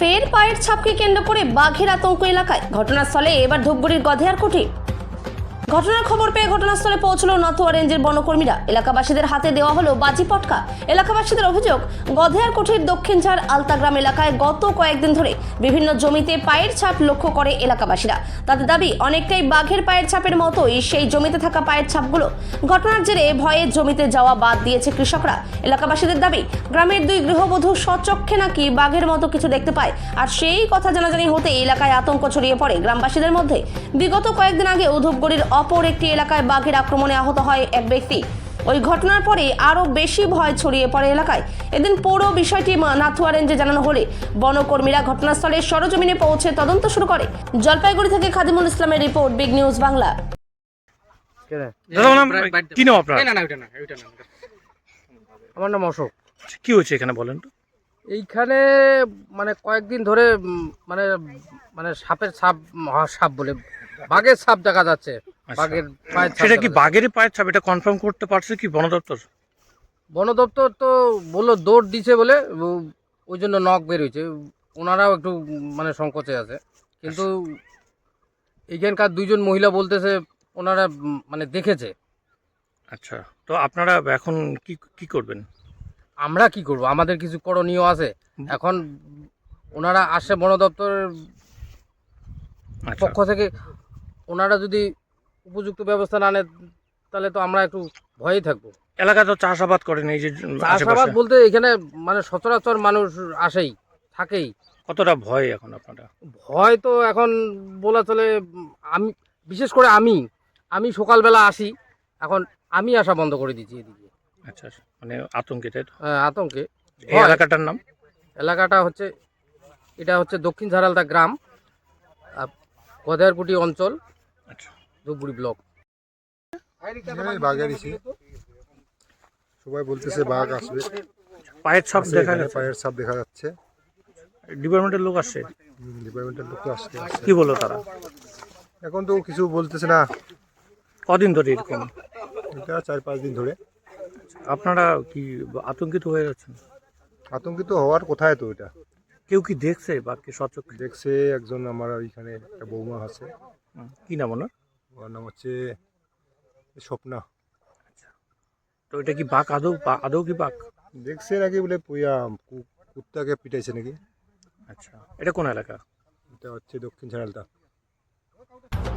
ফের পায়ের ছাপকে কেন্দ্র করে বাঘের আতঙ্ক এলাকায়। ঘটনাস্থলে এবার ধূপগুড়ির গধেয়ারকুঠি। ঘটনার খবর পেয়ে ঘটনাস্থলে পৌঁছলো নথুয়া রেঞ্জের বনকর্মীরা। এলাকাবাসীদের হাতে দেওয়া হলো বাজি পটকা। এলাকাবাসীদের অভিযোগ, গধেয়ারকুঠির দক্ষিণঝাড় আলতাগ্রাম এলাকায় গত কয়েকদিন ধরে বিভিন্ন জমিতে পায়ের ছাপ লক্ষ্য করে এলাকাবাসীরা। তাদের দাবি, অনেকটাই বাঘের পায়ের ছাপের মতোই সেই জমিতে থাকা পায়ের ছাপগুলো। ঘটনার জেরে ভয়ে জমিতে যাওয়া বাদ দিয়েছে কৃষকরা। এলাকাবাসীদের দাবি, গ্রামের দুই গৃহবধূ স্বচক্ষে নাকি বাঘের মতো কিছু দেখতে পায়। আর সেই কথা জানাজানি হতে এলাকায় আতঙ্ক ছড়িয়ে পড়ে গ্রামবাসীদের মধ্যে। বিগত কয়েকদিন আগে ধূপগুড়ির অপর একটি এলাকায় বাঘের আক্রমণে আহত হয় এক ব্যক্তি। ওই ঘটনার পরে আরও বেশি ভয় ছড়িয়ে পড়ে এলাকায়। এদিন পুরো বিষয়টি নাথুয়া রেঞ্জে জানানো হলে বনকর্মীরা ঘটনাস্থলে সরজমিনে পৌঁছে তদন্ত শুরু করে। জলপাইগুড়ি থেকে খাদিমুল ইসলামের রিপোর্ট, বিগ নিউজ বাংলা। কি নাম আপনার? আমার নাম অশোক। কি হয়েছে এখানে বলেন তো? এইখানে মানে কয়েকদিন ধরে মানে মানে সাপের ছাপ, মহাসাপ বলে বাঘের ছাপ দেখা যাচ্ছে। বাঘের পায়ের ছাপ সেটা কি দেখা যাচ্ছে। বাঘেরই পায়ের ছাপ? এটা কনফার্ম করতে পারছে কি বন দপ্তর? বন দপ্তর তো বললো দৌড় দিছে বলে, ওই জন্য নখ বের হয়েছে। ওনারাও একটু মানে সংকোচে আছে, কিন্তু এইখানকার দুইজন মহিলা বলতেছে ওনারা মানে দেখেছে। আচ্ছা, তো আপনারা এখন কি কি করবেন? আমরা কি করব, আমাদের কিছু করণীয় আছে। এখন ওনারা আসে বন দপ্তরের আচ্ছা, পক্ষ থেকে, ওনারা যদি উপযুক্ত ব্যবস্থা না নেন তাহলে তো আমরা একটু ভয়েই থাকবো। এলাকা তো চাষাবাদ করেন, এই যে চাষাবাদ আশেপাশে। বলতে এখানে মানে সচরাচর মানুষ আসেই, থাকেই। কতটা ভয় এখন আপনারা? ভয় তো এখন বলা চলে। আমি বিশেষ করে আমি সকালবেলা আসি, এখন আমি আসা বন্ধ করে দিচ্ছি এদিকে। আচ্ছা, মানে আতঙ্কে, তাই তো? আতঙ্কে। এই এলাকাটার নাম? এলাকাটা হচ্ছে, এটা হচ্ছে দক্ষিণ ঝাড়ালদা গ্রাম, গধেয়ারকুটি অঞ্চল, আচ্ছা, ধূপগুড়ি ব্লক। বাঘের ইসে সবাই বলতেছে বাঘ আসবে। পায়ের ছাপ দেখা গেছে? পায়ের ছাপ দেখা যাচ্ছে। ডিপার্টমেন্টের লোক আসছে? ডিপার্টমেন্টের লোক তো আসছে। কি বললো তারা? এখন তো কিছু বলতেছে না। কদিন ধরে এরকম? এটা 4-5 দিন ধরে। আপনারা কি আতঙ্কিত হয়ে যাচ্ছেন? আতঙ্কিত হওয়ার কোথায় তো এটা। কেউ কি দেখছে বাঘকে সচক্ষে? দেখছে একজন, আমার ওইখানে একটা বৌমা আছে। কি নাম ওনার? ওর নাম হচ্ছে স্বপ্না। তো এটা কি বাঘ আদৌ আদৌ কি বাঘ? দেখছে নাকি বলে পুয়া কুত্তাকে পিটাইছে নাকি। আচ্ছা, এটা কোন এলাকা? এটা হচ্ছে দক্ষিণ ঝাড়ালদা।